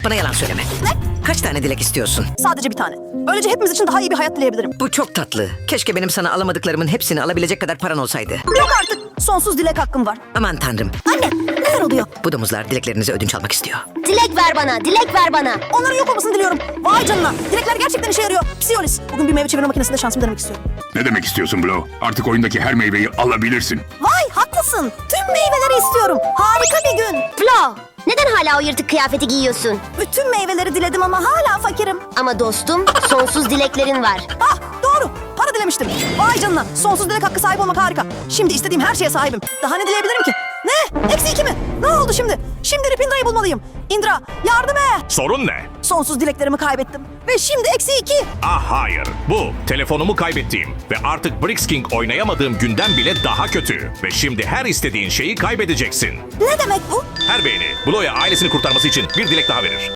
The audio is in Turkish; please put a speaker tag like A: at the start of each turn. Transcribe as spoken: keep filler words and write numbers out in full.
A: Bana yalan söyleme.
B: Ne?
A: Kaç tane dilek istiyorsun?
B: Sadece bir tane. Böylece hepimiz için daha iyi bir hayat dileyebilirim.
A: Bu çok tatlı. Keşke benim sana alamadıklarımın hepsini alabilecek kadar paran olsaydı.
B: Yok artık. Sonsuz dilek hakkım var.
A: Aman tanrım.
B: Anne, neler oluyor?
A: Bu domuzlar dileklerinizi ödünç almak istiyor.
C: Dilek ver bana, dilek ver bana.
B: Onların yok olmasını diliyorum. Vay canına. Dilekler gerçekten işe yarıyor. Psiyolis. Bugün bir meyve çevirme makinesinde şansımı denemek istiyorum.
D: Ne demek istiyorsun Blow? Artık oyundaki her meyveyi alabilirsin.
B: Vay haklısın. Tüm meyveleri istiyorum. Harika bir gün.
C: Flo, neden hala o yırtık kıyafeti giyiyorsun?
B: Bütün meyveleri diledim ama hala fakirim.
C: Ama dostum, sonsuz dileklerin var.
B: Ah doğru. Para dilemiştim. Vay canına. Sonsuz dilek hakkı sahibi olmak harika. Şimdi istediğim her şeye sahibim. Daha ne dileyebilirim ki? Ne? Eksi iki mi? Ne oldu şimdi? Şimdi Ripindra'yı bulmalıyım. Indra yardım et.
E: Sorun ne?
B: Sonsuz dileklerimi kaybettim. Ve şimdi eksi iki.
E: Ah hayır. Bu telefonumu kaybettiğim ve artık Brix King oynayamadığım günden bile daha kötü. Ve şimdi her istediğin şeyi kaybedeceksin.
B: Ne demek bu?
E: Her beğeni Blow'ya ailesini kurtarması için bir dilek daha verir.